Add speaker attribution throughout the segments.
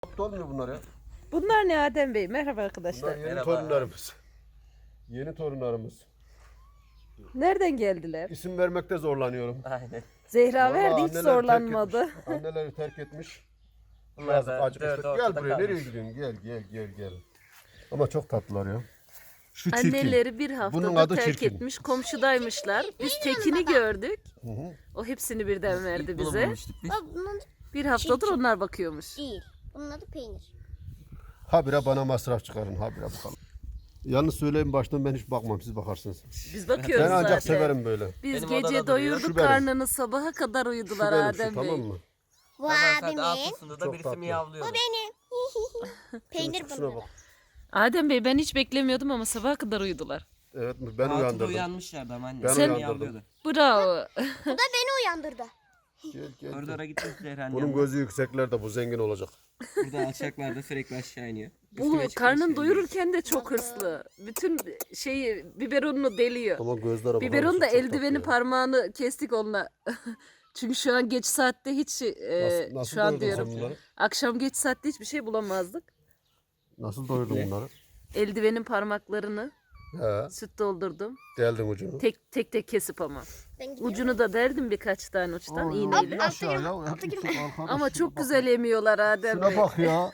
Speaker 1: Aptal olmuyor bunlar ya.
Speaker 2: Bunlar ne Adem Bey? Merhaba arkadaşlar.
Speaker 1: Bunlar yeni
Speaker 3: Merhaba.
Speaker 1: torunlarımız. Yeni torunlarımız.
Speaker 2: Nereden geldiler?
Speaker 1: İsim vermekte zorlanıyorum.
Speaker 3: Aynen.
Speaker 2: Zehra
Speaker 1: Vallahi
Speaker 2: verdi hiç
Speaker 1: anneler
Speaker 2: zorlanmadı.
Speaker 1: terk etmiş. Anneleri terk etmiş.
Speaker 3: Bunlar
Speaker 1: Yazık,
Speaker 3: da
Speaker 1: acık
Speaker 3: dört
Speaker 1: işte.
Speaker 3: ortada
Speaker 1: Gel buraya,
Speaker 3: kalmış.
Speaker 1: nereye gidiyorsun? Gel. Ama çok tatlılar ya. Şu çirkin.
Speaker 2: Anneleri bir
Speaker 1: Bunun
Speaker 2: haftada
Speaker 1: adı
Speaker 2: terk
Speaker 1: çirkin.
Speaker 2: etmiş. Komşudaymışlar. Biz tekini gördük.
Speaker 1: Hı hı.
Speaker 2: O hepsini birden verdi
Speaker 3: Bunu
Speaker 2: bize.
Speaker 3: bulmuştuk biz.
Speaker 4: Bak bunun adı
Speaker 2: Bir haftadır onlar bakıyormuş.
Speaker 4: değil. Bunun adı peynir.
Speaker 1: Habire bana masraf çıkarın, habire bakalım. Yalnız söyleyeyim baştan, ben hiç bakmam, siz bakarsınız.
Speaker 2: Biz bakıyoruz
Speaker 1: Ben ancak
Speaker 2: zaten.
Speaker 1: severim böyle.
Speaker 2: Biz
Speaker 3: Benim
Speaker 2: gece
Speaker 3: odada duruyor.
Speaker 2: doyurduk
Speaker 1: Şu benim.
Speaker 2: karnını, sabaha kadar
Speaker 1: Şu
Speaker 2: uyudular
Speaker 1: benim
Speaker 2: Adem
Speaker 1: şu,
Speaker 2: Bey.
Speaker 1: tamam mı?
Speaker 4: Bu
Speaker 3: Sabah saat
Speaker 4: abimin.
Speaker 3: 6'sında da
Speaker 1: Çok
Speaker 3: birisi
Speaker 1: tatlı.
Speaker 3: miyavlıyordu.
Speaker 4: Benim. peynir
Speaker 1: Şuna
Speaker 4: bunun.
Speaker 1: bak.
Speaker 2: Adem Bey ben hiç beklemiyordum ama sabaha kadar uyudular.
Speaker 1: Evet, ben
Speaker 3: 6'da
Speaker 1: uyandırdım.
Speaker 3: uyanmışlardı ama anne.
Speaker 1: Ben
Speaker 3: Sen
Speaker 1: uyandırdım.
Speaker 3: miyavlıyordu.
Speaker 2: Bravo.
Speaker 4: Bu da beni uyandırdı.
Speaker 1: Gel.
Speaker 3: Koridora gitmiş Zehra
Speaker 1: Bunun gözü yükseklerde, bu zengin olacak.
Speaker 3: Burada alçaklarda sürekli aşağı iniyor.
Speaker 2: Bu
Speaker 3: Üstüme çıkmış
Speaker 2: karnın
Speaker 3: şey
Speaker 2: doyururken de çok hırslı. Bütün şeyi biberonunu deliyor.
Speaker 1: Ama gözlere bakar
Speaker 2: Biberon
Speaker 1: mısın?
Speaker 2: da
Speaker 1: Çok tatlı
Speaker 2: eldiveni
Speaker 1: ya.
Speaker 2: parmağını kestik onunla. Çünkü şu an geç saatte hiç
Speaker 1: Nasıl
Speaker 2: şu an
Speaker 1: doyurdun sen
Speaker 2: diyorum.
Speaker 1: bunları?
Speaker 2: Akşam geç saatte hiçbir şey bulamazdık.
Speaker 1: Nasıl doyurdun bunları?
Speaker 2: Eldivenin parmaklarını
Speaker 1: He,
Speaker 2: süt doldurdum.
Speaker 1: deldin ucunu.
Speaker 2: Tek kesip ama.
Speaker 4: Ben gidiyorum.
Speaker 2: Ucunu da derdim birkaç tane uçtan iğneyle.
Speaker 1: Aşağı ya.
Speaker 2: Ama çok güzel emiyorlar Adem Bey.
Speaker 1: Şuna bak ya.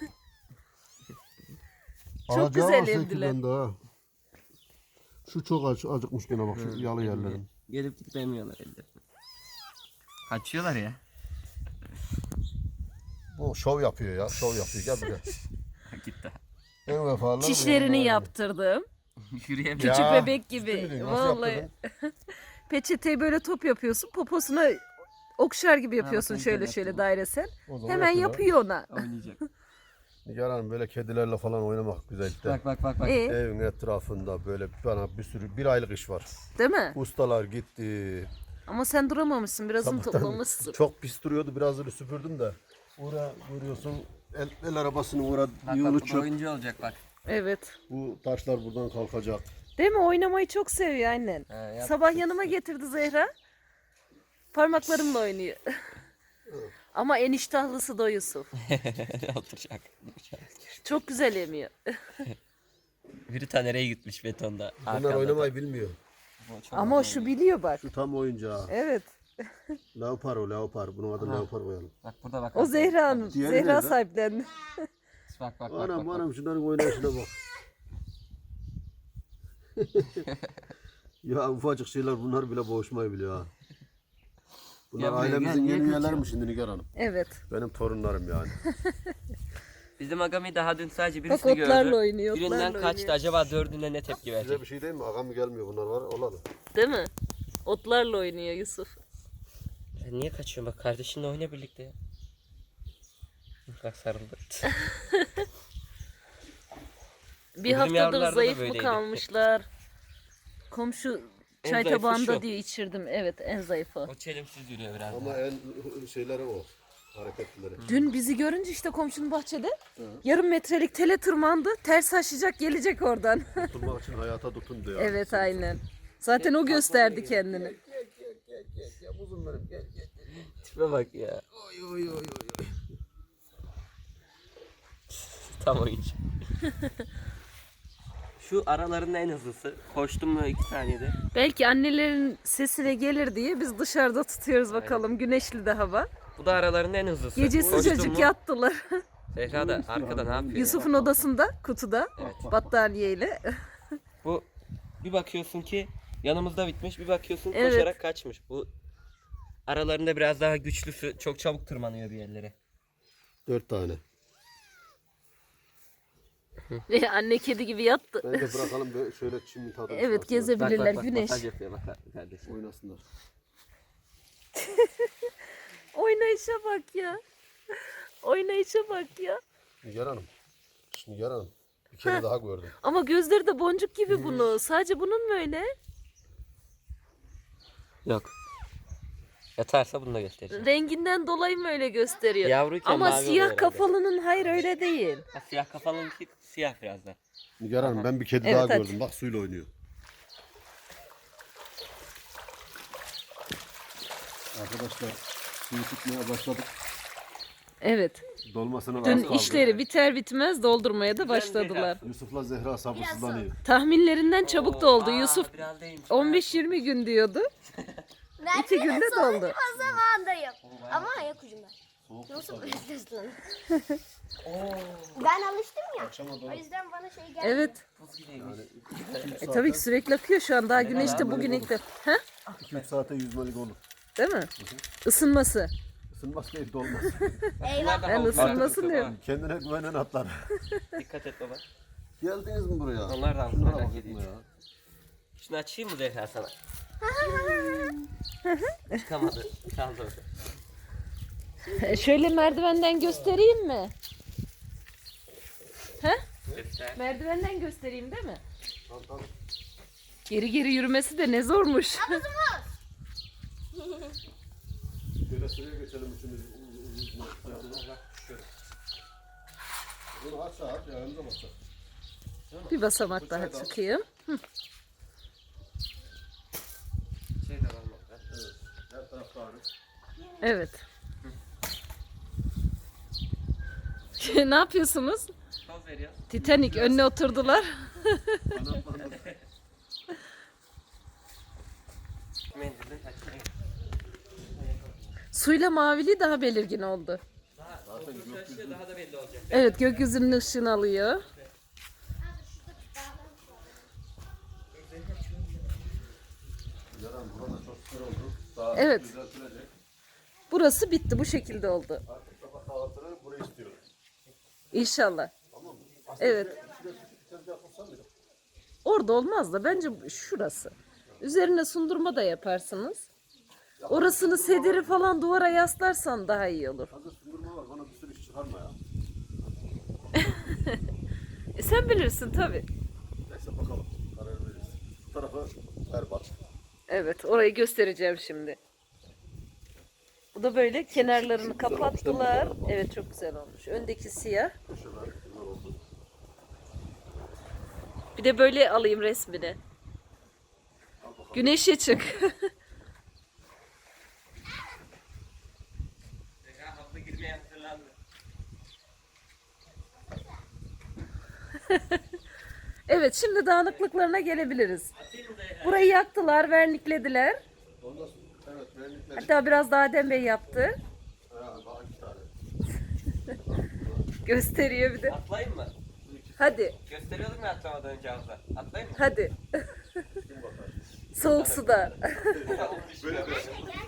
Speaker 2: Çok
Speaker 1: Alacağı
Speaker 2: güzel
Speaker 1: var
Speaker 2: emdiler.
Speaker 1: sekinden daha. Şu çok acıkmış gene bak, şu yalı yerlerim.
Speaker 3: Gelip gidip emiyorlar elde. Kaçıyorlar ya.
Speaker 1: Bu şov yapıyor ya, şov yapıyor. Gel buraya.
Speaker 3: Gitti.
Speaker 1: En vefalı.
Speaker 2: Çişlerini yaptırdım.
Speaker 3: Yürüyemiyor.
Speaker 2: Küçük
Speaker 1: Ya,
Speaker 2: bebek
Speaker 1: ciddi
Speaker 2: gibi.
Speaker 1: miydin? Nasıl
Speaker 2: Vallahi.
Speaker 1: yaptırdın?
Speaker 2: Peçeteyi böyle top yapıyorsun. Poposuna okşar gibi yapıyorsun
Speaker 3: bakın
Speaker 2: şöyle
Speaker 3: güzel
Speaker 2: şöyle
Speaker 3: yaptım.
Speaker 2: dairesel.
Speaker 1: O zaman
Speaker 2: Hemen yapıyor ona.
Speaker 3: Oynayacak.
Speaker 1: Nigar Hanım, böyle kedilerle falan oynamak güzel işte.
Speaker 3: Bak.
Speaker 1: Evin etrafında böyle bana bir sürü, bir aylık iş var.
Speaker 2: Değil mi?
Speaker 1: Ustalar gitti.
Speaker 2: Ama sen duramamışsın. Birazını
Speaker 1: Sabahtan
Speaker 2: toplamışsın.
Speaker 1: çok pis duruyordu, birazını süpürdüm de. Uğra görüyorsun, el arabasını uğra
Speaker 3: Bak
Speaker 1: yığılı
Speaker 3: bu
Speaker 1: çöp.
Speaker 3: oyuncu olacak bak.
Speaker 2: Evet.
Speaker 1: Bu taşlar buradan kalkacak.
Speaker 2: Değil mi? Oynamayı çok seviyor annen.
Speaker 3: He, yap.
Speaker 2: Sabah yanıma getirdi Zehra. Parmaklarımla oynuyor. Ama en iştahlısı da Yusuf.
Speaker 3: Oturacak.
Speaker 2: Çok güzel emiyor.
Speaker 3: Biri ta nereye gitmiş betonda.
Speaker 1: Bunlar oynamayı bilmiyor.
Speaker 2: Ama o şu biliyor bak.
Speaker 1: Şu tam oyuncağı.
Speaker 2: Evet.
Speaker 1: Leopar o, leopar. Bunun adını leopar koyalım.
Speaker 3: Bak burada bak.
Speaker 2: O Zehra Hanım.
Speaker 1: Diğeri
Speaker 2: Zehra
Speaker 1: nerede?
Speaker 2: sahiplendi.
Speaker 3: Bak.
Speaker 1: Anam şunların oynayışına bak. Ya ufacık şeyler, bunlar bile boğuşmayı biliyor ha. Bunlar
Speaker 3: Gel buraya,
Speaker 1: ailemizin
Speaker 3: gel,
Speaker 1: yeni
Speaker 3: niye
Speaker 1: üyeleri mi şimdi Nigar Hanım?
Speaker 2: Evet.
Speaker 1: Benim torunlarım yani.
Speaker 3: Bizim Agami daha dün sadece
Speaker 2: Bak
Speaker 3: birisini gördü.
Speaker 2: otlarla oynuyor.
Speaker 3: Birinden
Speaker 2: Otlarla
Speaker 3: kaçtı.
Speaker 2: oynuyor.
Speaker 3: Acaba dördüne ne tepki
Speaker 1: Size
Speaker 3: verecek?
Speaker 1: bir şey değil mi? Ağam gelmiyor, bunlar var olalım.
Speaker 2: Değil mi? Otlarla oynuyor Yusuf.
Speaker 3: Sen niye kaçıyorsun? Bak kardeşinle oyna birlikte ya. Bak sarıldı.
Speaker 2: Bir
Speaker 3: Bizim
Speaker 2: haftadır
Speaker 3: yavrularda da
Speaker 2: zayıf mı
Speaker 3: böyleydi.
Speaker 2: kalmışlar? Komşu
Speaker 3: En
Speaker 2: çay
Speaker 3: zayıfı
Speaker 2: tabağında
Speaker 3: şu.
Speaker 2: diye içirdim. Evet en zayıfı.
Speaker 3: O çelimsiz yürüyor biraz.
Speaker 1: Ama en şeyleri o. Hareketlileri.
Speaker 2: Dün bizi görünce işte komşunun bahçede yarım metrelik tele tırmandı. Ters aşacak gelecek oradan.
Speaker 1: Tutulmak için hayata tutun diyor.
Speaker 2: Evet aynen. Zaten o gösterdi kendini.
Speaker 1: Gel buzum benim, gel.
Speaker 3: Tipe bak ya. Tam oyuncu. Şu aralarının en hızlısı. Koştum mu 2 saniyede.
Speaker 2: Belki annelerin sesine gelir diye biz dışarıda tutuyoruz bakalım. Güneşli de hava.
Speaker 3: Bu da aralarının en hızlısı.
Speaker 2: Gece
Speaker 3: Koştum
Speaker 2: sıcacık
Speaker 3: mu-
Speaker 2: yattılar.
Speaker 3: Zehra da arkada ne yapıyor?
Speaker 2: Yusuf'un odasında kutuda battaniyeyle.
Speaker 3: Bu bir bakıyorsun ki yanımızda bitmiş, bir bakıyorsun
Speaker 2: Evet.
Speaker 3: koşarak kaçmış. Bu aralarında biraz daha güçlüsü çok çabuk tırmanıyor bir yerlere.
Speaker 1: 4 tane.
Speaker 2: Ve anne kedi gibi yattı.
Speaker 1: Bence bırakalım böyle şöyle çimin tadını
Speaker 2: Evet
Speaker 1: çıkarsınlar.
Speaker 2: gezebilirler güneş.
Speaker 3: Masaj yapıyor bak kardeşim.
Speaker 1: Oynasınlar.
Speaker 2: Oynayışa bak ya. Oynayışa bak ya.
Speaker 1: Nigar Hanım. Şimdi Nigar Hanım. Bir kere daha gördüm.
Speaker 2: Ama gözleri de boncuk gibi bunu. Sadece bunun mu öyle?
Speaker 3: Yok. Yatarsa bunu da göstereceğim.
Speaker 2: Renginden dolayı mı öyle gösteriyor?
Speaker 3: Yavruyken
Speaker 2: Ama
Speaker 3: mavi oluyor
Speaker 2: siyah
Speaker 3: herhalde.
Speaker 2: kafalının hayır öyle değil.
Speaker 3: Ha, siyah kafalınki siyah biraz da.
Speaker 1: Nigar Hanım, ben bir kedi
Speaker 2: Evet,
Speaker 1: daha
Speaker 2: hadi.
Speaker 1: gördüm. Bak suyla oynuyor. Arkadaşlar suyu tutmaya başladık.
Speaker 2: Evet.
Speaker 1: Dolmasına
Speaker 2: Dün
Speaker 1: az kaldı.
Speaker 2: işleri biter bitmez doldurmaya da başladılar.
Speaker 1: Yusuf'la Zehra sabırsızlanıyor.
Speaker 2: Tahminlerinden çabuk doldu. Yusuf
Speaker 3: Biraz değilmiş.
Speaker 2: 15-20 gün diyordu.
Speaker 4: Ben
Speaker 2: 2 günde doldu.
Speaker 4: o zamandayım. Ama ayak ucumda. Nasıl bekliyorsun? Ben alıştım ya. O yüzden bana şey geldi.
Speaker 2: Evet.
Speaker 3: Buz gibiymiş.
Speaker 2: Tabii ki sürekli akıyor şu an. Daha güneşte bugün ilk de. Ha?
Speaker 1: 2-3 saate yüzmelik olur.
Speaker 2: Değil mi? Isınması.
Speaker 1: Isınmaz değil dolmaz.
Speaker 4: Eyvah.
Speaker 2: Ben ısınmasın diyorum.
Speaker 1: Kendine güvenen atlar.
Speaker 3: Dikkat et baba.
Speaker 1: Geldiniz mi buraya?
Speaker 3: Onlar da
Speaker 1: Şunlara
Speaker 3: merak
Speaker 1: bakın
Speaker 3: ediyor.
Speaker 1: ya.
Speaker 3: Şunu açayım mı Zehra sana? Çıkamadı. Kaldı orada.
Speaker 2: Şöyle merdivenden göstereyim mi? Ha?
Speaker 3: Göster.
Speaker 2: Merdivenden göstereyim değil mi?
Speaker 1: Tamam, tamam.
Speaker 2: Geri geri yürümesi de ne zormuş.
Speaker 1: Şöyle sıraya geçelim üçümüz. Bunu aç aç ya önce basar.
Speaker 2: Bir basamak daha çıkayım.
Speaker 3: Şey de var mı?
Speaker 1: Evet. Her tarafta ağrı.
Speaker 2: Evet. Ne yapıyorsunuz?
Speaker 3: Toz veriyor.
Speaker 2: Titanic önüne oturdular.
Speaker 1: Kanatlandı.
Speaker 3: Mendilini açayım.
Speaker 2: Suyla mavili daha belirgin oldu.
Speaker 3: Daha çalışıyor, daha da belli olacak.
Speaker 2: Evet, gökyüzünün ışığını alıyor.
Speaker 1: Yaran burada çok süper oldu. Daha
Speaker 2: Evet.
Speaker 1: düzeltilecek.
Speaker 2: Burası bitti, bu şekilde oldu.
Speaker 1: Artık sabah kahvaltıları burayı istiyorum.
Speaker 2: İnşallah.
Speaker 1: Tamam mı?
Speaker 2: Evet.
Speaker 1: Şuraya küçük bir tezgah yapılsa mıydı?
Speaker 2: Orada olmaz da bence şurası. Üzerine sundurma da yaparsınız. Orasını sederi falan duvara yaslarsan daha iyi olur.
Speaker 1: Hazır sundurma var. Bana bir sürü iş çıkarma ya.
Speaker 2: Sen bilirsin tabii.
Speaker 1: Neyse bakalım. Karar veririz. Bu tarafı berbat.
Speaker 2: Evet, orayı göstereceğim şimdi. Bu da böyle kenarlarını kapattılar. Evet, çok güzel olmuş. Öndeki siyah.
Speaker 1: Köşeler bunlar oldu.
Speaker 2: Bir de böyle alayım resmini. Güneşe çık.
Speaker 3: Zehra hafta girmeye hazırlandı.
Speaker 2: Evet, şimdi dağınıklıklarına gelebiliriz.
Speaker 3: Atayım mı Zehra?
Speaker 2: Burayı yaktılar, verniklediler.
Speaker 1: Ondan sonra evet beğendikleri.
Speaker 2: Hatta biraz da Adem Bey yaptı.
Speaker 1: Ha, daha 2 tane.
Speaker 2: Gösteriyor bir de.
Speaker 3: Atlayayım mı?
Speaker 2: Hadi,
Speaker 3: Gösteriyordum ya atlamadan önce havuza. Atlayayım mı?
Speaker 2: hadi.
Speaker 1: Kim bakar?
Speaker 2: Soğuk suda.
Speaker 1: Böyle böyle.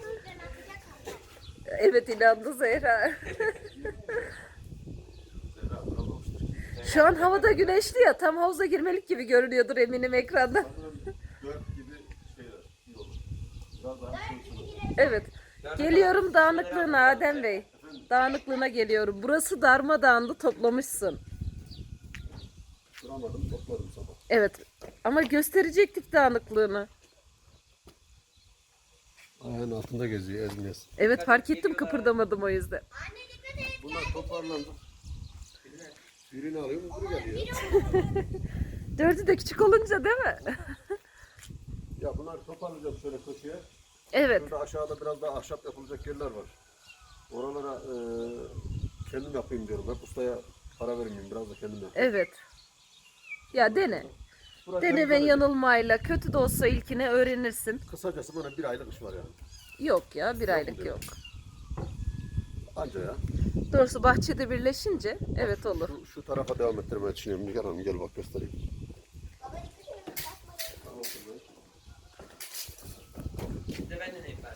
Speaker 2: Evet, inandı Zehra.
Speaker 1: Zehra bırakmamıştır.
Speaker 2: Şu an havada güneşli ya, tam havuza girmelik gibi görünüyordur eminim ekranda.
Speaker 1: Sanırım 4 gibi şeyler. İyi olur. Biraz daha soğutsun.
Speaker 2: Evet. Geliyorum dağınıklığına Adem Bey. Dağınıklığına geliyorum. Burası darmadağındı, toplamışsın.
Speaker 1: Duramadım topladım sabah.
Speaker 2: Evet. Ama gösterecektik dağınıklığını.
Speaker 1: Ayağın altında geziyor ezmez.
Speaker 2: Evet, fark ettim, kıpırdamadım o yüzden.
Speaker 1: Bunlar toparlandı. Birini alıyorum öbürü geliyor.
Speaker 2: Dördü de küçük olunca değil mi?
Speaker 1: Ya bunlar toparlayacağım şöyle köşeye.
Speaker 2: Evet.
Speaker 1: Şurada aşağıda biraz daha ahşap yapılacak yerler var. Oralara kendim yapayım diyorum. Hep ustaya para vermeyeyim. Biraz da kendim yapayım.
Speaker 2: Evet. Ya dene.
Speaker 1: Burası
Speaker 2: Deneme
Speaker 1: hem
Speaker 2: yanılmayla, kötü de olsa ilkine öğrenirsin.
Speaker 1: kısacası bana 1 aylık iş var yani.
Speaker 2: Yok ya, bir aylık
Speaker 1: mu
Speaker 2: yok.
Speaker 1: Anca ya.
Speaker 2: Doğrusu bahçede birleşince evet olur.
Speaker 1: Şu tarafa devam ettirmeyi düşünüyorum. Nigar Hanım gel bak göstereyim.
Speaker 3: Bir de ben de neyim ben.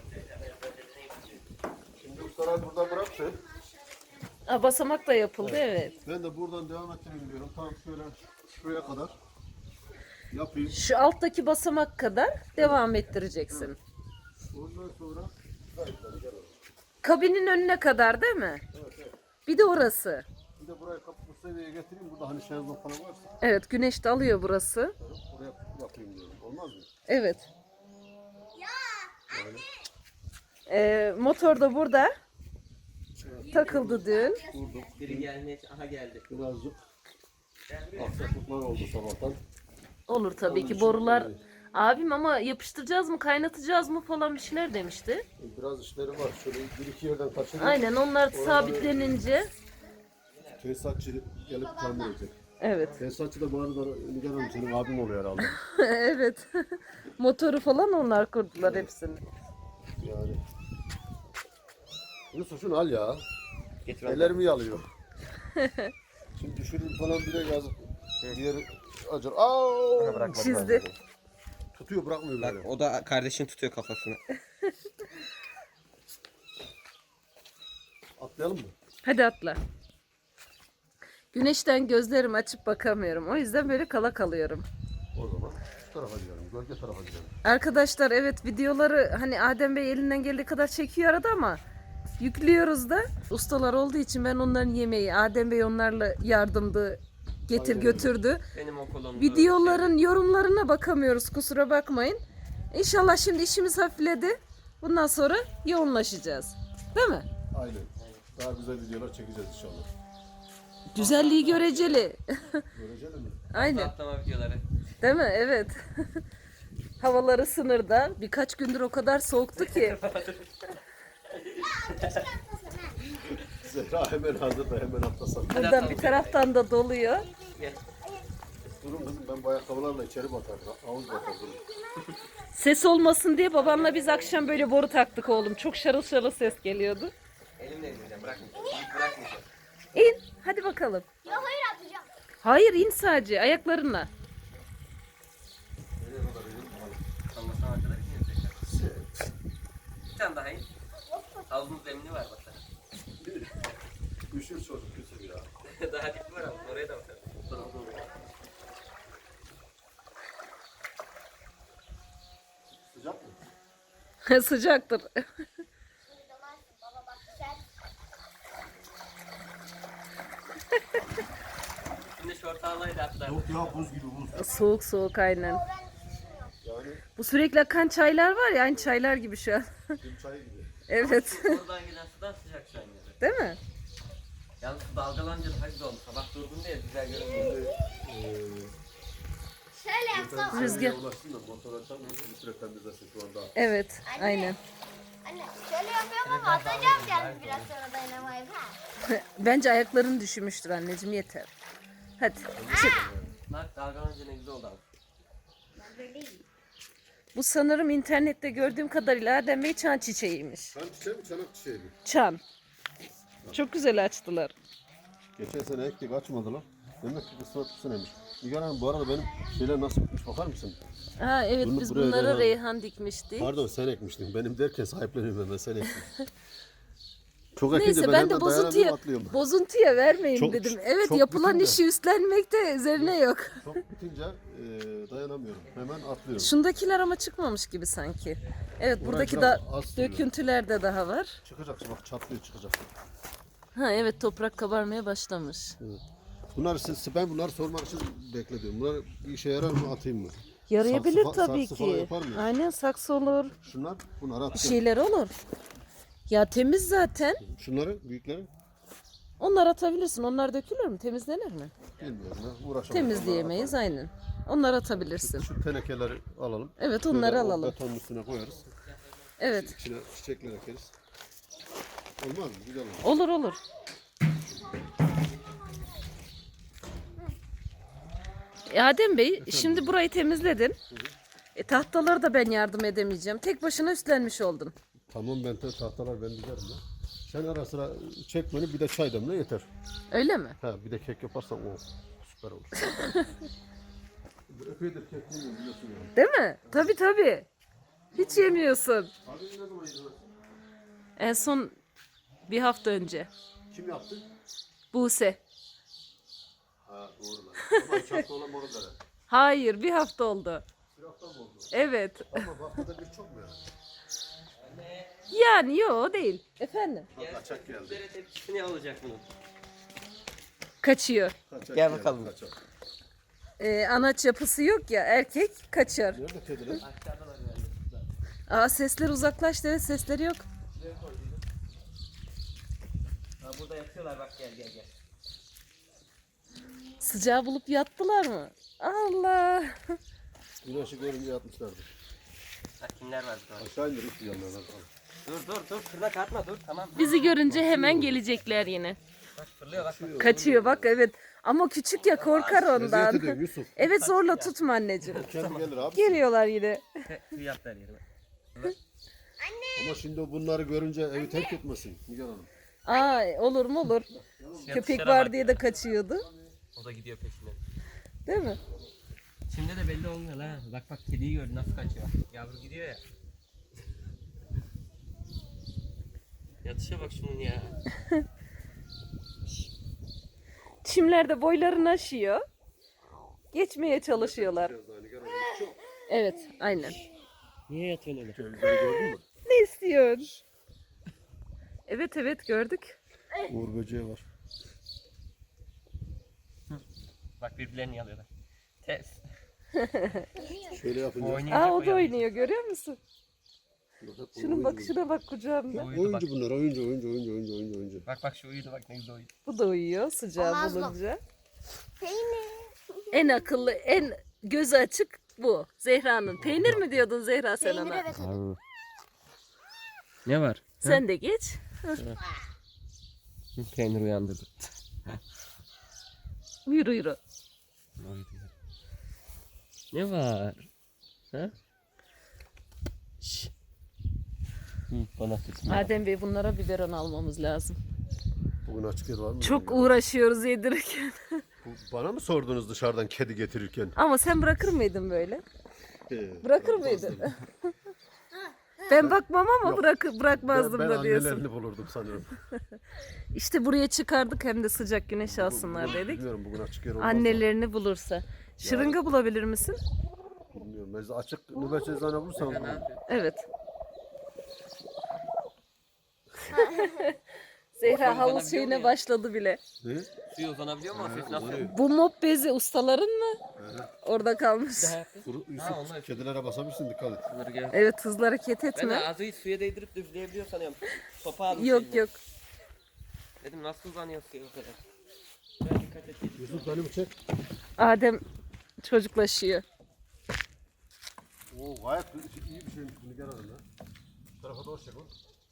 Speaker 1: Şimdi ustalar burada bıraktı.
Speaker 2: Ha, basamak da yapıldı, evet.
Speaker 1: Ben de buradan devam ettireyim diyorum. Tamam şöyle şuraya kadar yapayım.
Speaker 2: Şu alttaki basamak kadar devam ettireceksin.
Speaker 1: Ondan sonra
Speaker 2: Kabinin önüne kadar değil mi? Bir de orası.
Speaker 1: bir de burayı kapı bu seviyeye getireyim. Burada hani şezlong falan varsa
Speaker 2: Evet, güneş de alıyor burası.
Speaker 1: oraya yapayım diyorum. Olmaz mı?
Speaker 2: Evet. Motor da burada. Takıldı dün.
Speaker 1: Durduk.
Speaker 3: Biri gelmeye... Aha geldi.
Speaker 1: Birazcık aksaklıklar oldu sabahtan.
Speaker 2: Olur tabii ki, borular Abim ama yapıştıracağız mı, kaynatacağız mı falan bir şeyler demişti.
Speaker 1: Biraz işleri var. Şöyle bir iki yerden kaçırıyor.
Speaker 2: Aynen onlar sabitlenince.
Speaker 1: Tesisatçı gelip tamir edecek.
Speaker 2: Evet.
Speaker 1: Tesisatçı da bu arada Nigar Hanım senin abin oluyor herhalde.
Speaker 2: Evet. Motoru falan onlar kurdular hepsini.
Speaker 1: Yani. Yusuf şunu al ya.
Speaker 3: Getir
Speaker 1: Ellerimi yalıyor. Şimdi düşürür falan bile yazık. Bir yeri acır. Aa!
Speaker 2: Çizdi.
Speaker 1: Tutuyor bırakmıyor
Speaker 3: Bak
Speaker 1: böyle.
Speaker 3: o da kardeşin tutuyor kafasını.
Speaker 1: Atlayalım mı?
Speaker 2: Hadi atla. Güneşten gözlerimi açıp bakamıyorum. O yüzden böyle kala kalıyorum.
Speaker 1: O zaman şu tarafa gidelim. Gölge tarafa gidelim.
Speaker 2: Arkadaşlar evet videoları hani Adem Bey elinden geldiği kadar çekiyor arada ama yüklüyoruz da. Ustalar olduğu için ben onların yemeği, Adem Bey onlarla yardımdı, getir
Speaker 1: Aynen.
Speaker 2: götürdü.
Speaker 3: Benim okulumda.
Speaker 2: Videoların yorumlarına bakamıyoruz, kusura bakmayın. İnşallah şimdi işimiz hafifledi. Bundan sonra yoğunlaşacağız. Değil mi?
Speaker 1: Aynen. Daha güzel videolar çekeceğiz inşallah.
Speaker 2: Güzelliği göreceli.
Speaker 1: Göreceli mi?
Speaker 2: Aynen.
Speaker 3: Atlama videoları.
Speaker 2: Değil mi? Evet. Havaları sınırda. Birkaç gündür o kadar soğuktu ki.
Speaker 1: Zehra hemen hazır da hemen atlasam.
Speaker 2: Buradan bir taraftan da doluyor.
Speaker 3: Gel.
Speaker 1: Durun kızım ben bu ayakkabılarla içeri batarım. Havuz batarım.
Speaker 2: Ses olmasın diye babanla biz akşam böyle boru taktık oğlum. Çok şarıl şarıl ses geliyordu.
Speaker 3: Elimle indireceğim. Bırakmayacağım. Bırakmayacağım.
Speaker 2: İn. Hadi bakalım.
Speaker 4: Ya hayır atacağım.
Speaker 2: Hayır in sadece ayaklarınla.
Speaker 3: Anlasam arkadaş yine tekrar. Bir tane daha in. Havuzun zemini var bak.
Speaker 1: Üşür çocuk Yusuf ya.
Speaker 3: Daha dik var ama oraya da bakalım.
Speaker 1: Sıcak mı?
Speaker 2: Sıcaktır.
Speaker 4: Baba bak sen.
Speaker 3: Şimdi şort ağlaydı hatta.
Speaker 1: Yok ya buz gibi buz.
Speaker 2: Soğuk soğuk aynen.
Speaker 1: Yani
Speaker 2: Bu sürekli akan çaylar var ya aynı çaylar gibi şu an.
Speaker 1: gün çayı gibi.
Speaker 2: Evet.
Speaker 3: Oradan gelen sudan sıcak şu an yani.
Speaker 2: Değil mi?
Speaker 3: Yalnız su dalgalanınca daha güzel oldu. Sabah durdum diye güzel görünüyor.
Speaker 4: Şöyle yapsam.
Speaker 2: Rüzgar.
Speaker 1: Ulaşsın da motor açalım. Bir süre temizlesin şu anda.
Speaker 2: Evet. Aynen.
Speaker 4: Anne şöyle yapıyorum ama atacağım yani biraz sonra dayanamayıp ha.
Speaker 2: Bence ayakların düşmüştür anneciğim yeter. Hadi çık.
Speaker 3: Bak dalgalanınca ne güzel oldu abi.
Speaker 4: Ben böyleyim.
Speaker 2: Bu sanırım internette gördüğüm kadarıyla Adem Bey çan çiçeğiymiş.
Speaker 1: Çan çiçeği mi çanak çiçeği mi?
Speaker 2: Çan. Çok güzel açtılar.
Speaker 1: Geçen sene ektik açmadılar. Demek ki kısmet bu seneymiş. Nigar Hanım bu arada benim şeyler nasıl bitmiş bakar mısın?
Speaker 2: Ha evet
Speaker 1: Bunu
Speaker 2: biz
Speaker 1: buraya
Speaker 2: bunlara
Speaker 1: Reyhan-
Speaker 2: reyhan dikmiştik.
Speaker 1: Pardon sen ekmiştin. Benim derken sahipleniyorum hemen sen ektin. Çok ekince
Speaker 2: Neyse ben de
Speaker 1: hemen dayanamıyorum, atlıyorum.
Speaker 2: bozuntuya vermeyin
Speaker 1: Çok-
Speaker 2: dedim. Evet
Speaker 1: çok
Speaker 2: yapılan
Speaker 1: bütün de.
Speaker 2: işi üstlenmekte üzerine yok.
Speaker 1: Çok bitince dayanamıyorum. Hemen atlıyorum.
Speaker 2: Şundakiler ama çıkmamış gibi sanki. Evet
Speaker 1: Buraya
Speaker 2: buradaki
Speaker 1: biraz
Speaker 2: da
Speaker 1: az
Speaker 2: döküntüler de daha var.
Speaker 1: Çıkacak bak çatlıyor çıkacak.
Speaker 2: Ha evet toprak kabarmaya başlamış.
Speaker 1: Evet. Bunlar ben bunları sormak için bekledim. Bunlar bir işe yarar mı atayım mı?
Speaker 2: Yarayabilir
Speaker 1: Saksı
Speaker 2: tabii
Speaker 1: falan
Speaker 2: ki.
Speaker 1: yapar mıyız?
Speaker 2: Aynen saksı olur.
Speaker 1: Şunlar bunları
Speaker 2: Bir
Speaker 1: atacağım.
Speaker 2: şeyler olur. Ya temiz zaten.
Speaker 1: Şunları büyükleri
Speaker 2: Onlar atabilirsin. Onlar dökülür mü? Temizlenir mi?
Speaker 1: bilmiyorum ya uğraşamam.
Speaker 2: Temizleyemeyiz aynen. Onları atabilirsin.
Speaker 1: Şu tenekeleri alalım.
Speaker 2: Evet onları
Speaker 1: Şöyle o
Speaker 2: alalım.
Speaker 1: betonun üstüne koyarız.
Speaker 2: Evet.
Speaker 1: İçine çiçekler ekeriz. Olmaz mı? Güzel olur.
Speaker 2: Olur olur. Adem Bey şimdi burayı temizledin. Tahtaları da ben yardım edemeyeceğim. Tek başına üstlenmiş oldun.
Speaker 1: Tamam ben tahtalar ben dizerim ya. Sen ara sıra çek beni bir de çay demle yeter.
Speaker 2: Öyle mi?
Speaker 1: Ha bir de kek yaparsan o süper olur. Epeydir kek yemiyorum biliyorsun ya.
Speaker 2: Değil mi? Tabii tabii. Hiç yemiyorsun.
Speaker 1: Abi ne zaman yedin?
Speaker 2: En son bir hafta önce.
Speaker 1: Kim yaptı?
Speaker 2: Buse.
Speaker 1: Ha doğru lan. Ama 2 hafta olan moru da.
Speaker 2: Hayır bir hafta oldu.
Speaker 1: Bir hafta mı oldu?
Speaker 2: Evet.
Speaker 1: Ama bu haftada bir çok mu yani?
Speaker 2: Yani yok değil. Efendim?
Speaker 1: Kaçak geldi.
Speaker 3: Üzere tepkisi ne olacak bunun?
Speaker 2: Kaçıyor.
Speaker 1: Kaçak
Speaker 3: Gel
Speaker 1: geldi,
Speaker 3: bakalım.
Speaker 1: Kaçak.
Speaker 2: Anaç yapısı yok ya erkek kaçar.
Speaker 1: Nerede kediler?
Speaker 3: Aşağıdalar yani.
Speaker 2: Aa sesler uzaklaştı evet sesleri yok.
Speaker 3: Şuraya koydum. Ha burada yatıyorlar bak gel gel gel.
Speaker 2: Sıcağı bulup yattılar mı? Allah.
Speaker 1: Güneşi görünce yatmışlardı.
Speaker 3: Bak kimler var burada.
Speaker 1: Aşağı indir üstü yanlardan.
Speaker 3: Dur. Fırla atma dur tamam.
Speaker 2: Bizi görünce hemen gelecekler yine.
Speaker 3: Bak fırlıyor bak.
Speaker 2: Kaçıyor bak, evet. Ama küçük ya, korkar
Speaker 1: Eziyet
Speaker 2: ondan.
Speaker 1: ediyor Yusuf.
Speaker 2: Evet, zorla tutma anneciğim.
Speaker 1: Kendi gelir abi.
Speaker 2: Geliyorlar yine.
Speaker 3: Tüy yaptılar yerime.
Speaker 1: Ama şimdi o bunları görünce evi terk etmesin Nigar Hanım.
Speaker 2: Aa, olur mu olur. Köpek
Speaker 3: dışarı
Speaker 2: var
Speaker 3: bak
Speaker 2: diye
Speaker 3: ya.
Speaker 2: de kaçıyordu.
Speaker 3: O da gidiyor peşine.
Speaker 2: Değil mi?
Speaker 3: Şimdi de belli olmuyor la. Bak kediyi gördü nasıl kaçıyor. Yavru gidiyor ya. Yatışa bak şunun ya.
Speaker 2: Çimlerde boylarını aşıyor. Geçmeye çalışıyorlar.
Speaker 1: Biraz daha Nigar Hanım. Çok
Speaker 2: Evet, aynen.
Speaker 3: Niye yatıyorsun öyle?
Speaker 1: cevizleri gördün mü?
Speaker 2: Ne istiyorsun? Evet gördük.
Speaker 1: Uğur böceği var.
Speaker 3: Bak birbirlerini yalıyorlar. Ters.
Speaker 1: Şöyle yapınca.
Speaker 3: Oynuyor.
Speaker 2: Aa, o da oynuyor, görüyor musun? Şunun
Speaker 1: Oyuncu
Speaker 2: bakışına bak kucağımda.
Speaker 3: Uyudu bak.
Speaker 1: Oyuncu bunlar, oyuncu.
Speaker 3: Bak şu uyudu bak ne güzel uyudu.
Speaker 2: Bu da uyuyor sıcağı
Speaker 4: Olmaz mı?
Speaker 2: bulunca.
Speaker 4: Peynir.
Speaker 2: En akıllı, en gözü açık bu. Zehra'nın. Peynir mi diyordun Zehra sen
Speaker 4: Peynir
Speaker 2: ona?
Speaker 4: evet.
Speaker 3: Ne var?
Speaker 2: Sen de geç.
Speaker 3: Peynir uyandırdı.
Speaker 2: Yürü.
Speaker 3: Ne var? Ha? Şşş. Bana tutsun.
Speaker 2: Adem Bey, bunlara biberon almamız lazım.
Speaker 1: Bugün açık yer var mı?
Speaker 2: Çok uğraşıyoruz yedirirken.
Speaker 1: Bana mı sordunuz dışarıdan kedi getirirken?
Speaker 2: Ama sen bırakır mıydın böyle? Bırakır mıydın?
Speaker 1: Bırakmazdım.
Speaker 2: Ben bakmam ama bırakmazdım
Speaker 1: Ben
Speaker 2: da diyorsun.
Speaker 1: annelerini bulurdum sanıyorum.
Speaker 2: İşte buraya çıkardık, hem de sıcak güneş alsınlar dedik.
Speaker 1: Bilmiyorum bugün açık yer olmaz mı?
Speaker 2: Annelerini bulursa. Şırınga bulabilir misin?
Speaker 1: Bilmiyorum. Mesela açık nöbet eczane bulursam
Speaker 2: Evet. Zehra havuz şeyine başladı bile.
Speaker 1: ne?
Speaker 3: Suya uzanabiliyor mu? O ses nasıl?
Speaker 1: Uzanıyor.
Speaker 2: Bu mop bezi ustaların mı? Orada kalmış.
Speaker 1: Kuru,
Speaker 3: Ha, onlar-
Speaker 1: Yusuf kedilere basabilirsin dikkat et.
Speaker 3: Bunları gel.
Speaker 2: Evet, hızlı hareket
Speaker 3: Ben de
Speaker 2: etme.
Speaker 3: ağzıyı suya değdirip üfleyebiliyor sanıyorum. Sopa almış
Speaker 2: Yok
Speaker 3: eline.
Speaker 2: yok.
Speaker 3: Dedim nasıl uzanıyor suya o kadar. Ben dikkat et.
Speaker 1: Yusuf beni mi çek?
Speaker 2: Adem çocuklaşıyor.
Speaker 1: Oo gayet iyi bir şeymiş bunu gel alın ha. Bu tarafa doğru çek oğlum.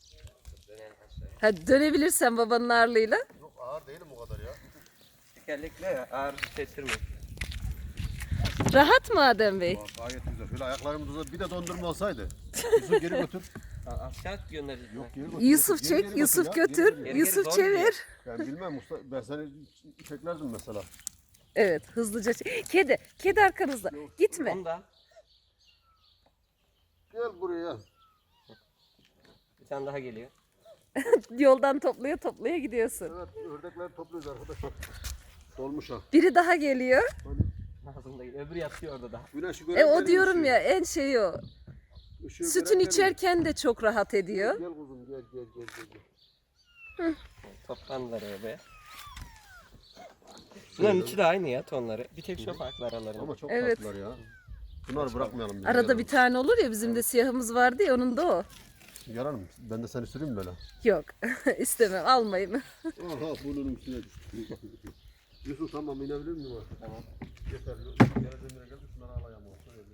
Speaker 2: Hadi dönebilirsen babanın ağırlığıyla.
Speaker 1: Yok ağır değilim o kadar ya.
Speaker 3: Tekerlekle ya ağır hissettirmiyor.
Speaker 2: Rahat mı Adem Bey?
Speaker 1: Bak, gayet güzel. Şöyle ayaklarımı uzat. Bir de dondurma olsaydı. Yusuf geri götür.
Speaker 3: Aşağı göndeririz.
Speaker 1: Yok geri götür.
Speaker 2: Yusuf
Speaker 1: Geri
Speaker 2: çek,
Speaker 1: götür
Speaker 2: Yusuf
Speaker 1: ya,
Speaker 2: götür,
Speaker 1: geri
Speaker 3: geri
Speaker 2: Yusuf
Speaker 3: zor
Speaker 2: çevir.
Speaker 1: Ben bilmem usta. Ben seni çeklerdim mesela.
Speaker 2: Evet, hızlıca çek. Kedi arkanızda. Gitme.
Speaker 3: Onu da.
Speaker 1: Gel buraya.
Speaker 3: Bir tane daha geliyor.
Speaker 2: Yoldan toplaya gidiyorsun.
Speaker 1: Evet ördekleri topluyoruz arkadaşlar. Dolmuş ha.
Speaker 2: Biri daha geliyor.
Speaker 1: Hani
Speaker 3: Ağzımda öbürü yatıyor orada da.
Speaker 1: güneşi
Speaker 2: O diyorum ya, en şeyi o.
Speaker 1: Işığı
Speaker 2: Sütün
Speaker 1: gören
Speaker 2: içerken de çok rahat ediyor.
Speaker 1: Gel kuzum gel.
Speaker 3: Toplandılar oraya. Bunların içi de aynı ya tonları. Bir tek şu farklı aralarında.
Speaker 1: Ama çok
Speaker 2: Evet.
Speaker 1: tatlılar ya. Bunları bırakmayalım. biz.
Speaker 2: Arada
Speaker 1: Gel
Speaker 2: bir tane olur ya, bizim de siyahımız vardı ya, onun da o.
Speaker 1: Yararım. Ben de seni süreyim böyle.
Speaker 2: Yok, istemem, almayın.
Speaker 1: Aha burnunun üstüne düştü. Yusuf tamam inebilir miyim artık?
Speaker 3: Tamam.
Speaker 1: Yeter. Geldiğim yere geldi şunları alayım.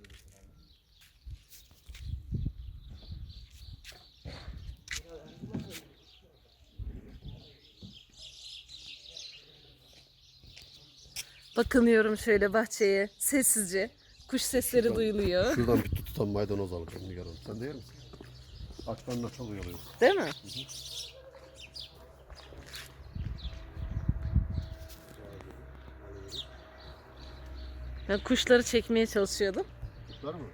Speaker 2: Bakınıyorum şöyle bahçeye, sessizce. Kuş sesleri duyuluyor.
Speaker 1: Şuradan bir tutam maydanoz alacağım Nigar Hanım. Sen de yer misin? Açlarına çok uyuyor.
Speaker 2: Değil mi? Ben kuşları çekmeye çalışıyordum.
Speaker 1: Kuşlar mı?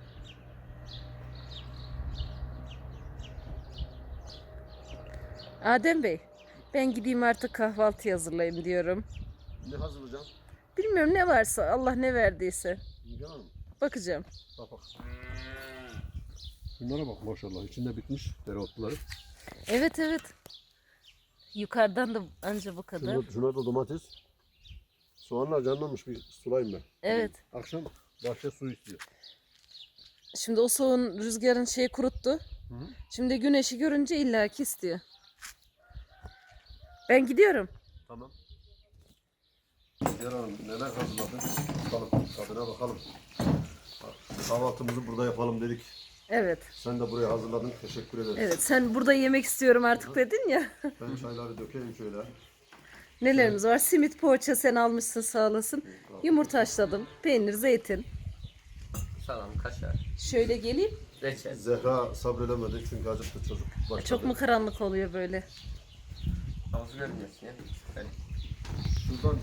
Speaker 2: Adem Bey, ben gideyim artık kahvaltı hazırlayayım diyorum.
Speaker 1: Ne hazırlayacağım?
Speaker 2: Bilmiyorum, ne varsa, Allah ne verdiyse.
Speaker 1: Nigar Hanım.
Speaker 2: Bakacağım.
Speaker 1: Bak. Bunlara bak maşallah. İçinde bitmiş dereotları.
Speaker 2: Evet. Yukarıdan da anca bu kadar.
Speaker 1: Şuna da domates. Soğanlar canlanmış bir sulayayım ben.
Speaker 2: Evet.
Speaker 1: Akşam bahçe su istiyor.
Speaker 2: Şimdi o soğun, rüzgarın şeyi kuruttu.
Speaker 1: Hı.
Speaker 2: Şimdi güneşi görünce illaki istiyor. Ben gidiyorum.
Speaker 1: Tamam. Nigar Hanım neler hazırladın? Bakalım tadına bakalım. Kahvaltımızı burada yapalım dedik.
Speaker 2: Evet.
Speaker 1: Sen de buraya hazırladın. Teşekkür ederiz.
Speaker 2: Evet, sen burada yemek istiyorum artık dedin ya.
Speaker 1: Ben çayları dökeyim şöyle.
Speaker 2: Nelerimiz var? Simit poğaça sen almışsın sağ olasın. Yumurta haşladım. Peynir, zeytin.
Speaker 3: Salam, kaşar,
Speaker 2: Şöyle geleyim.
Speaker 3: reçel.
Speaker 1: Zehra sabredemedi çünkü acıktı çocuk. Başladı.
Speaker 2: Çok mu karanlık oluyor böyle?
Speaker 3: Havuzu görmüyorsun ya. Yani
Speaker 1: Şuradan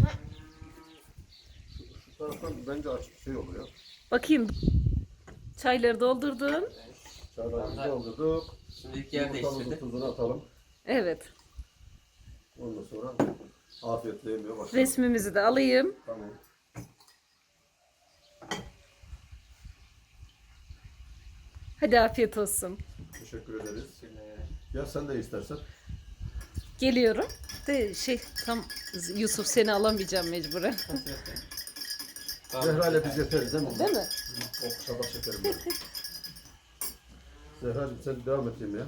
Speaker 1: şu taraftan bence açık şey oluyor.
Speaker 2: Bakayım. Çayları doldurdum.
Speaker 1: Çaylarımızı doldurduk.
Speaker 3: şimdilik yer
Speaker 1: Yumurtamızın
Speaker 3: değiştirdim.
Speaker 1: tuzunu atalım.
Speaker 2: Evet.
Speaker 1: Ondan sonra afiyetle yemeye başlayalım.
Speaker 2: Resmimizi de alayım.
Speaker 1: Tamam.
Speaker 2: Hadi afiyet olsun.
Speaker 1: Teşekkür ederiz. Ya sen de istersen.
Speaker 2: Geliyorum. De tam Yusuf seni alamayacağım mecburen.
Speaker 1: Zehra ile biz yeteriz değil mi?
Speaker 2: Değil mi?
Speaker 1: Oh sabah şekerim benim. Zehra'cığım sen devam et yemeğe.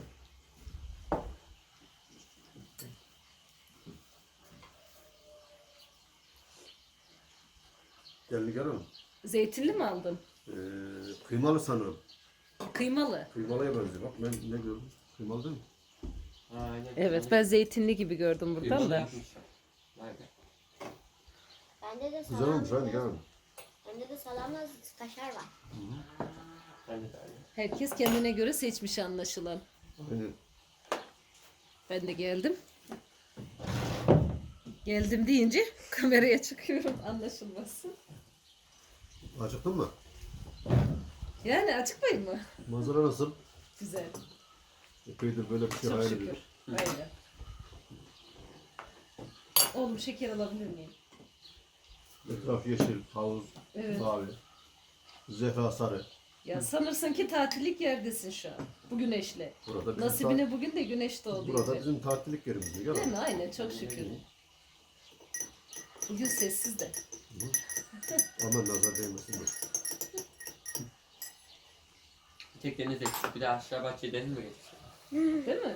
Speaker 1: Gelin gel hanım.
Speaker 2: Zeytinli mi aldın?
Speaker 1: Kıymalı sanırım.
Speaker 2: Kıymalı.
Speaker 1: Kıymalıya benziyor. Bak ben ne gördüm? Kıymalı değil mi?
Speaker 3: Aynen.
Speaker 2: Evet, ben zeytinli gibi gördüm buradan da.
Speaker 3: Vay be.
Speaker 4: Bende de
Speaker 1: Güzel olmuş hadi
Speaker 4: salamla,
Speaker 1: gel hanım.
Speaker 4: bende de salamla kaşar var.
Speaker 3: Bence de aynı.
Speaker 2: Herkes kendine göre seçmiş anlaşılan.
Speaker 1: Aynen.
Speaker 2: Ben de geldim. Geldim deyince kameraya çıkıyorum anlaşılmasın.
Speaker 1: Acıktın mı?
Speaker 2: Yani açıklayayım mı?
Speaker 1: Manzara nasıl?
Speaker 2: Güzel.
Speaker 1: Epeydir böyle bir şey
Speaker 2: Çok
Speaker 1: hayal
Speaker 2: şükür.
Speaker 1: ediyorum.
Speaker 2: Öyle. Oğlum şeker alabilir miyim?
Speaker 1: Etraf yeşil, havuz,
Speaker 2: Evet.
Speaker 1: mavi. Zehra sarı.
Speaker 2: Ya sanırsın ki tatillik yerdesin şu an. Bu güneşle.
Speaker 1: Burada bizim,
Speaker 2: Nasibine bugün de güneş doğdu.
Speaker 1: burada
Speaker 2: iyice.
Speaker 1: bizim tatillik yerimiz. Gel
Speaker 2: Değil
Speaker 1: hanım.
Speaker 2: mi? Aynen çok şükür. Bugün sessiz de.
Speaker 1: Aman nazar değmesin. Dur.
Speaker 3: Bir tek deniz eksik. Bir de aşağı bahçeye deniz mi geçmiş?
Speaker 2: Değil mi?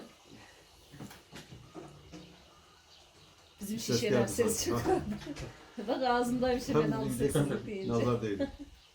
Speaker 2: Bizim
Speaker 1: Ses
Speaker 2: şişeden
Speaker 1: geldi
Speaker 2: ses
Speaker 1: sanki.
Speaker 2: çıkıyor. Bak ağzımdaymış hemen al sessizlik deyince.
Speaker 1: Nazar değdi.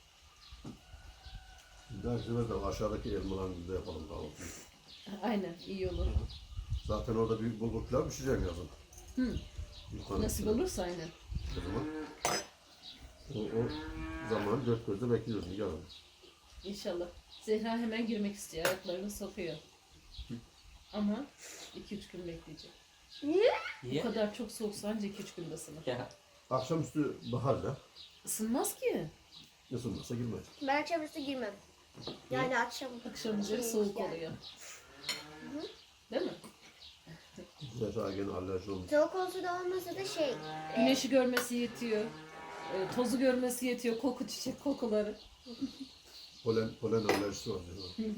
Speaker 1: Dersiler de aşağıdaki elmalarımızda yapalım kahvaltıyı.
Speaker 2: Aynen iyi olur.
Speaker 1: Zaten orada bir bulgur pilav pişireceğim yazın.
Speaker 2: Hı.
Speaker 1: Yukarı
Speaker 2: Nasip
Speaker 1: üstüne.
Speaker 2: olursa aynen.
Speaker 1: O zaman o zaman dört gözle bekliyoruz Nigar Hanım.
Speaker 2: İnşallah. Zehra hemen girmek istiyor. Ayaklarını sokuyor. Ama 2-3 gün bekleyecek.
Speaker 4: Niye?
Speaker 2: Bu
Speaker 3: Niye?
Speaker 2: kadar çok soğuksa anca 2-3 günde ısınır.
Speaker 3: Ya.
Speaker 1: Akşamüstü bahar da
Speaker 2: Isınmaz ki.
Speaker 1: ısınmasa girmez.
Speaker 4: Ben akşamüstü girmem. Yani akşam.
Speaker 2: Akşam üzeri
Speaker 4: Şey,
Speaker 2: soğuk
Speaker 4: yani.
Speaker 2: oluyor. Değil mi?
Speaker 1: Zehra gene alerji olmuş.
Speaker 4: Soğuk olsa da olmasa da şey.
Speaker 2: Güneşi görmesi yetiyor. Tozu görmesi yetiyor. Koku, çiçek kokuları.
Speaker 1: Polen alerjisi var Zehra.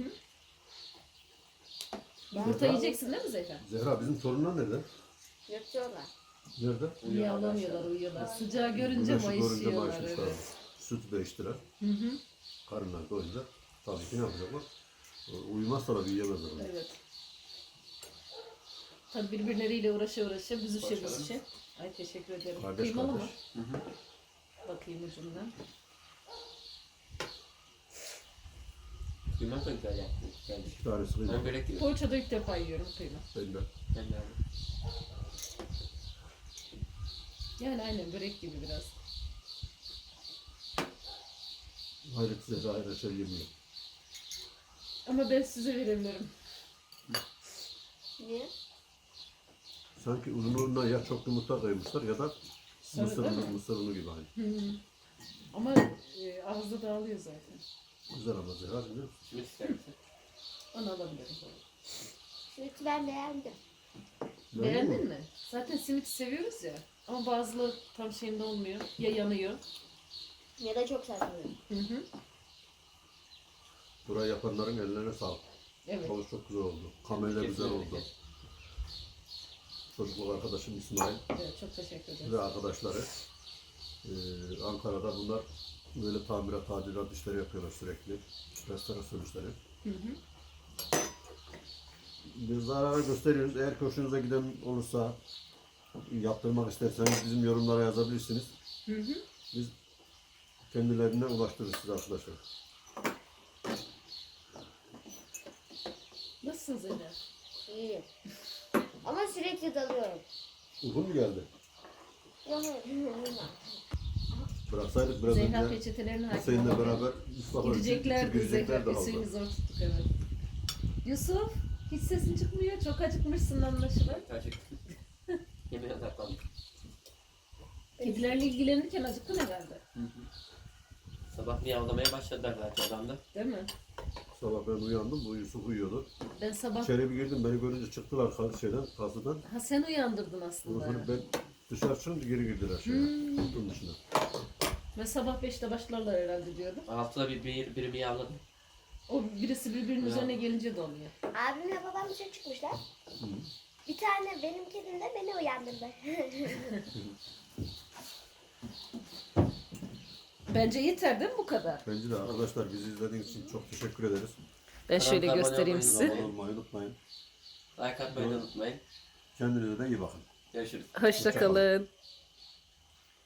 Speaker 2: Yumurta yiyeceksin değil mi Zehra?
Speaker 1: Zehra bizim torunlar nerede?
Speaker 4: Yatıyorlar.
Speaker 1: Nerede?
Speaker 2: Uyuyamıyorlar, uyuyorlar. Sıcağı görünce
Speaker 1: Güneşi görünce
Speaker 2: mayışıyorlar.
Speaker 1: mayışmışlar.
Speaker 2: Evet.
Speaker 1: Sütü de içtiler.
Speaker 2: Hı hı.
Speaker 1: Karınlar doyunca tabii ki ne yapacaklar? Uyumazsa da büyüyemezler. onlar.
Speaker 2: Evet. Tabii birbirleriyle uğraşa büzüşe. Ay teşekkür ederim.
Speaker 1: Kardeş
Speaker 2: Kıymalı mı?
Speaker 1: kardeş.
Speaker 2: Bakayım ucundan.
Speaker 3: Kıyma da güzel yaptın. Gelmiş.
Speaker 1: Bir tanesi
Speaker 3: Ben
Speaker 1: kıyma.
Speaker 3: börek gibi.
Speaker 2: Poğaçada ilk defa yiyorum kıyma.
Speaker 1: Ben de.
Speaker 3: Ben de aldım.
Speaker 2: Yani aynen börek gibi biraz.
Speaker 1: Hayret Zehra her şey yemiyor.
Speaker 2: Ama ben size verebilirim.
Speaker 4: Niye?
Speaker 1: Sanki uzunluğuna ya çok yumurta koymuşlar ya da
Speaker 2: Sarı değil mi?
Speaker 1: mısır unu gibi aynı.
Speaker 2: Hı. Ama ağızda dağılıyor zaten.
Speaker 1: Güzel ama Zehra biliyor musun?
Speaker 3: Simit ister misin?
Speaker 2: Onu alabilirim.
Speaker 4: Sütü ben beğendim.
Speaker 2: Beğendin mi? Zaten simit seviyoruz ya. Ama bazıları tam şeyinde olmuyor. Ya yanıyor.
Speaker 4: Ya da çok sert oluyor.
Speaker 2: Hı hı.
Speaker 1: Burayı yapanların ellerine sağlık.
Speaker 2: Evet.
Speaker 1: Havuç çok güzel oldu. Kamelle güzel oldu. Çocukluk arkadaşım İsmail
Speaker 2: Evet, çok teşekkür ederim.
Speaker 1: ve arkadaşları Ankara'da bunlar böyle tamirat, tadilat işleri yapıyorlar sürekli. Restorasyon işleri.
Speaker 2: Hı hı.
Speaker 1: Biz zarara gösteriyoruz. Eğer hoşunuza giden olursa yaptırmak isterseniz bizim yorumlara yazabilirsiniz.
Speaker 2: Hı hı.
Speaker 1: Biz kendilerine ulaştırırız size arkadaşlar.
Speaker 2: Nasılsın Zeynep?
Speaker 4: İyiyim. Ama sürekli dalıyorum.
Speaker 1: Uykun mu geldi?
Speaker 4: Yok.
Speaker 1: Bıraksaydık biraz
Speaker 2: Zehra
Speaker 1: önce
Speaker 2: peçetelerini hakim
Speaker 1: Hüseyin'le
Speaker 2: olamadı.
Speaker 1: beraber Mustafa
Speaker 2: Gideceklerdi Zehra.
Speaker 1: gireceklerdi
Speaker 2: Hüseyin'i
Speaker 1: halde.
Speaker 2: zor tuttuk evet. Yusuf hiç sesin çıkmıyor. Çok acıkmışsın anlaşılan.
Speaker 3: Gerçek. Yemeğe odaklandım.
Speaker 2: Kedilerle ilgilenirken acıktın herhalde.
Speaker 3: Sabah miyavlamaya başladılar zaten adamda.
Speaker 2: Değil mi?
Speaker 1: Sabah ben uyandım, bu Yusuf uyuyordu.
Speaker 2: Ben sabah...
Speaker 1: İçeri bir girdim, beni görünce çıktılar kasıdan.
Speaker 2: Ha sen uyandırdın
Speaker 1: Ondan
Speaker 2: aslında.
Speaker 1: sonra ben dışarı çıkınca geri girdiler şeye, kutunun dışına.
Speaker 2: Ve sabah 5'te başlarlar herhalde diyordum.
Speaker 3: Altıda biri miyavladı.
Speaker 2: O birisi birbirinin
Speaker 3: Ya.
Speaker 2: üzerine gelince de oluyor.
Speaker 4: Abimle babam dışarı çıkmışlar. Bir tane benim kedim de beni uyandırdı.
Speaker 2: Bence yeter değil mi bu kadar?
Speaker 1: Bence de arkadaşlar bizi izlediğiniz için çok teşekkür ederiz.
Speaker 2: Ben şöyle
Speaker 3: Kanalımıza
Speaker 2: göstereyim
Speaker 3: abone
Speaker 2: size.
Speaker 1: Abone olmayı unutmayın.
Speaker 3: Like atmayı da unutmayın.
Speaker 1: Kendinize de iyi bakın.
Speaker 3: Görüşürüz.
Speaker 2: Hoşça kalın.